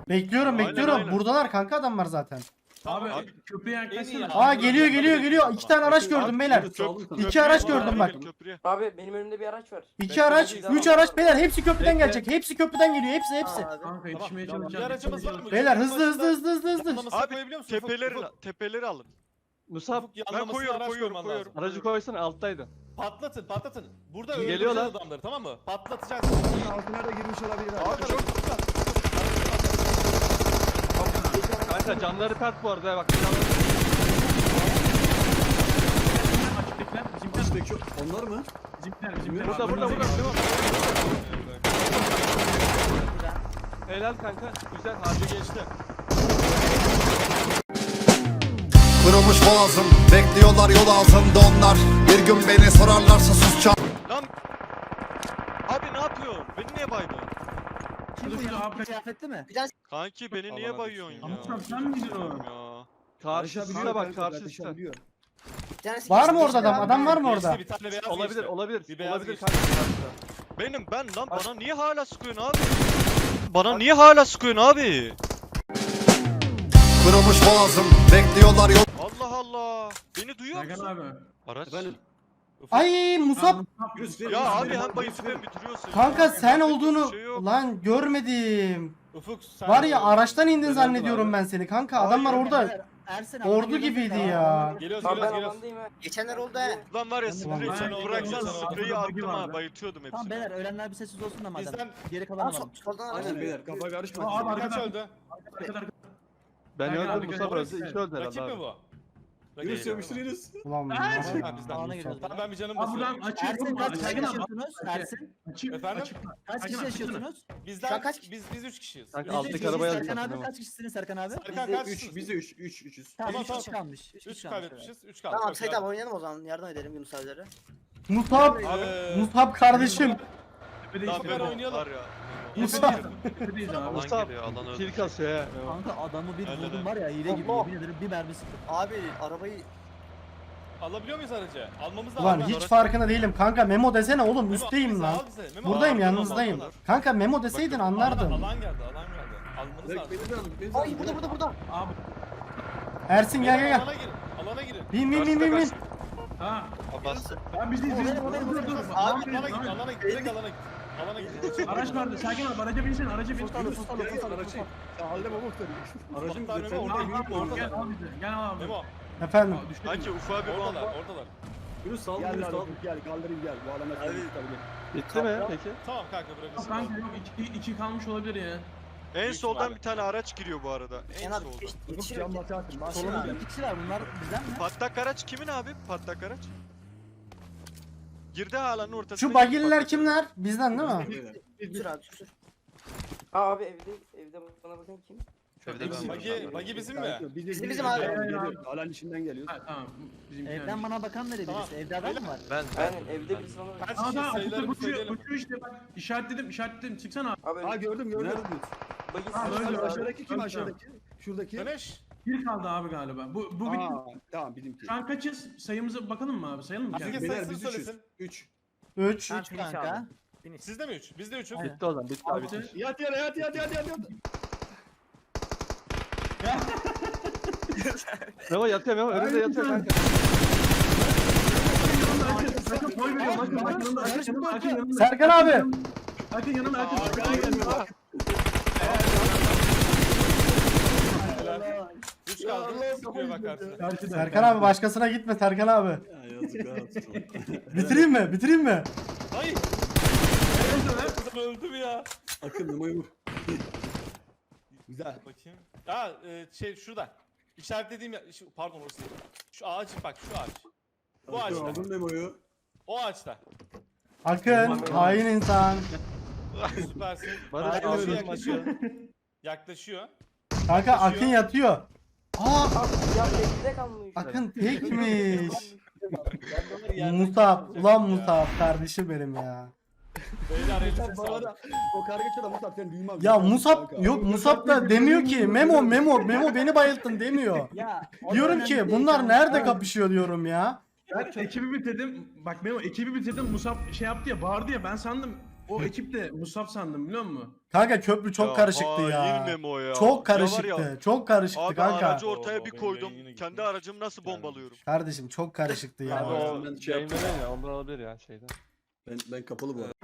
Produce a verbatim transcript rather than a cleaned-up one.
Bekliyorum Aynen, bekliyorum. aynen. Buradalar kanka adamlar zaten. Abi, Abi, köprüye en iyi yaklaşsana. ya. Aa geliyor geliyor geliyor. İki tane araç gördüm beyler. İki araç gördüm bak. Köprüye. Abi benim önümde bir araç var. İki araç, üç araç beyler. Hepsi köprüden Bekle. gelecek. Hepsi köprüden geliyor. Hepsi hepsi. Kanka yetişmeye Tamam, çalışacağım. bir aracımız yetişmeye var mı? Beyler hızlı hızlı hızlı hızlı hızlı. Yanlamasını Abi, koyabiliyor musun? Tepeleri, Ufuk, tepeleri alın. Musab Ufuk, Ben yanlamasını koyuyorum, araç koyuyorum, koyman koyuyorum. lazım. aracı koysana alttaydı. Patlatın, patlatın. Burada Geliyorlar. öldüreceğiz adamları, tamam mı? Patlatacaksın. Altına da girmiş olabilir abi. Abi çok Kanka canları pert bu arada bak. Canları... Açıktakiler bizimkiler. Üstteki onlar mı? Bizimkiler bizimkiler. Burada burada burada. Önümüzdeki- Helal kanka. Güzel harcı geçti. Kırılmış boğazım, bekliyorlar yol ağzında onlar. Bir gün beni sorarlarsa sus çal. Lan. Abi ne yapıyorsun? Beni niye baydın? Şurada şurada abi. Kıyafetli mi? Kanki beni niye Allah'ım bayıyorsun ya? ya. Ama sen miydin o? Ya. Karşısına bak karşısına. Var mı orada adam? Adam var mı orada? Geçti, bir tane beyaz Olabilir geçti. olabilir. Bir beyaz Olabilir geçti. kanka karşıda. Benim ben lan bana niye hala sıkıyorsun abi? Bana niye hala sıkıyorsun abi? Kırılmış boğazım, bekliyorlar yol. Allah Allah. Beni duyuyor Serkan musun? abi. Araç. Efendim? Ay Musab. Yunus, Ya Yunus, abi Yunus, hem bayısı Yunus, hem bitiriyorsun. Kanka ya. sen Yapacak olduğunu bir şey yok. lan görmedim. Ufuk sen Var ya de- araçtan indin Ben zannediyorum öldüm ben seni kanka. Adamlar orada Ersin ordu gibiydi ya. Geliyoruz, Abi ben geliyoruz, geliyoruz. alandayım ha. Geçenler oldu he. Lan var ya Ulan spreyi ben- sen ben- bıraksan ben- spreyi ben- attım ha vardı. bayıltıyordum hepsini. Tamam beyler ölenler bir sessiz olsun da madem. Bizden Geri kalan Aa alalım. sol- soldan araç. Aynen beyler kafa karışmasın. Abi, kaç arkadan- öldü? Arkada, arkada. Ben Serkan abi, öldüm Musab gel- öldü. İki öldü Rakip herhalde mi abi. bu? Yunus Rakip. yapıştır Yunus. Ulan Ha, Musab. bizden. Alana giriyoruz. Tamam ben bir canım Abi buradan basıyorum. açık Ersin yok mu? kaç kişi Serkan abi. yaşıyorsunuz? Ersin Açık, Efendim? açık. kaç Serkan kişi abi, yaşıyorsunuz? Bizden Şu an kaç- biz biz üç kişiyiz. Kanka, Biz alttaki üç Biz- arabaya kişiyiz. Serkan alacağım. abi kaç kişisiniz Serkan abi? Serkan Bizde kaç üç, kişisiniz? bizde üç, üç, üçüz. Tamam Tamam, üç tamam. kişi kalmış. üç üç kişi kalmış. kaybetmişiz. üç kaldı. Tamam Çok Sait iyi. abi oynayalım o zaman. Yardım edelim Yunus abilere. Musab. Ee, Musab kardeşim. Tepedeyiz, Lan Süper benim oynayalım. var ya. Musab. tepedeyiz abi. Alan Musab geliyor alan öldü. kill kasıyor he. Kanka adamı bir Öyle vurdum de. var ya hile gibi Allah. yemin ederim bir mermi sıktım. Abi arabayı Alabiliyor muyuz aracı? Almamız lazım. Ulan Ben- hiç farkına değilim kanka. Memo desene oğlum Memo, üstteyim bizi lan. al bize. Memo, Buradayım al, yanınızdayım. al, al, al. Kanka Memo deseydin Alan, anlardım. alan geldi, alan geldi. Almanız Bek lazım. beni de alın. beni de alın. Ay burada burada burada. Abi. Ersin gel gel gel. Alana girin, alana girin. Bin bin bin bin bin. Ha. Abbas. Ben bizdeyiz. O biz- benim, o benim, o Dur, benim. dur, dur. Alana Lan git, benim, alana git, lan. alana git, direkt alana git. Alana git. Araç vardı. Serkan abi araca binsin. Araca bin. Fustalı Yunus. fustalı Gel, fustalı gel, fustalı. Ya halde baba muhtarı. Aracım Muhtar güzel. Memo, Sen orada, orada orada. orada. Gel al bizi. Gel al abi. Memo, Efendim. Düştü. Kanki ufağa bir oradalar, bomba. oradalar. Yunus sal Gel Yunus lan sal. oğlum. Gel kaldırayım gel. Bu alana Hadi. tabii. Bitti mi peki? Tamam kanka bırakırsın. Kanka yok iki, iki kalmış olabilir ya. En Büyük soldan ihtimalle. bir tane araç giriyor bu arada. En Kenan abi soldan. geç- Ufuk yetişiyor. can batarsın. Bas. Solumuzda iki kişi var bunlar bizden mi? Patlak araç kimin abi? Patlak araç. Girdi halanın ortasına. Şu girdi bagililer patlak kimler? Bizden değil mi? Sür abi sür. Aa abi evde evde bana bakın kim? Evde ben varım. Bagi, bagi bizim mi? Biz Bizim, de bizim geliyoruz, abi. geliyoruz. Alan içinden geliyoruz. Ha tamam. Bizim Evden bana bakan nereye Tamam. birisi? Evde adam mı var? Ben Aynen evde birisi bana bakıyor. Kaç Aa kişi tamam. sayıları bir Uçuyor, söyleyelim. uçuyor işte bak. İşaretledim, işaretledim. Çıksana abi. Abi Ha gördüm gördüm. bagi Ha, sürüyor öyle, abi. Aşağıdaki kim Tamam. aşağıdaki? Şuradaki. Güneş. Bir kaldı abi galiba. Bu bu bir. Aa, tamam bizimki. Şu an kaçız? Sayımıza bakalım mı abi? Sayalım mı? Herkes kendimizi? Beyler sayısını biz üçüz. söylesin. Üç. üç. Üç kanka. Sizde mi üç? Bizde üçüz. Aynen. Bitti o zaman bitti abi. Altı. bitti. Yat yere yat yat yat yat. yat. Memo yatıyor Memo önünde yatıyor kanka. Sakın boy veriyorum. Bakın bak yanımda. Akın yanımda. Akın yanımda. Serkan abi. Akın yanımda. Akın. Arkana geldi bak. Üç kaldı. Allah Sıkıyor bak Allah. karşısına. Karşıda. Serkan abi başkasına gitme Serkan abi. Ya yazık olsun. Bitireyim mi? Bitireyim mi? Hayır. Kızım öldü mü ya? Akın numarayı vur. Güzel. Bakayım. Aa e, şey şurada. İşaretlediğim ya, şu- pardon orası değil. Şu ağaç bak şu ağaç. Bu Akın ağaçta. aldın memoyu. O ağaçta. Akın. Hain insan. Süpersin. Barış Yaklaşıyor, abi yaklaşıyor. Yaklaşıyor. Kanka Akın yatıyor. Aa Ya evde kalmış. Akın tekmiş. Musab. Musab. Ulan Musab kardeşim benim ya. Beyler elinize Bana sağlık. da o kargaça da Musab seni duymaz. Ya Kanka. Musab yok Musab da demiyor ki Memo Memo Memo beni bayılttın demiyor. Ya. Diyorum ki bunlar nerede kapışıyor diyorum ya. Ben ekibi bitirdim. Bak Memo ekibi bitirdim. Musab şey yaptı ya bağırdı ya ben sandım o ekipte Musab sandım biliyor musun? Kanka köprü çok karışıktı ya. hain Memo ya. Çok Ya var karışıktı. ya, Çok karışıktı Abi kanka. aracı ortaya Oo, bir benim koydum. yayın yine Kendi gitmiş. aracımı nasıl bombalıyorum? Kardeşim çok karışıktı Abi ya. o Ben şey yaptım. yayınlanıyor ya ondan olabilir ya şeyden. Ben, ben kapalı bu arada.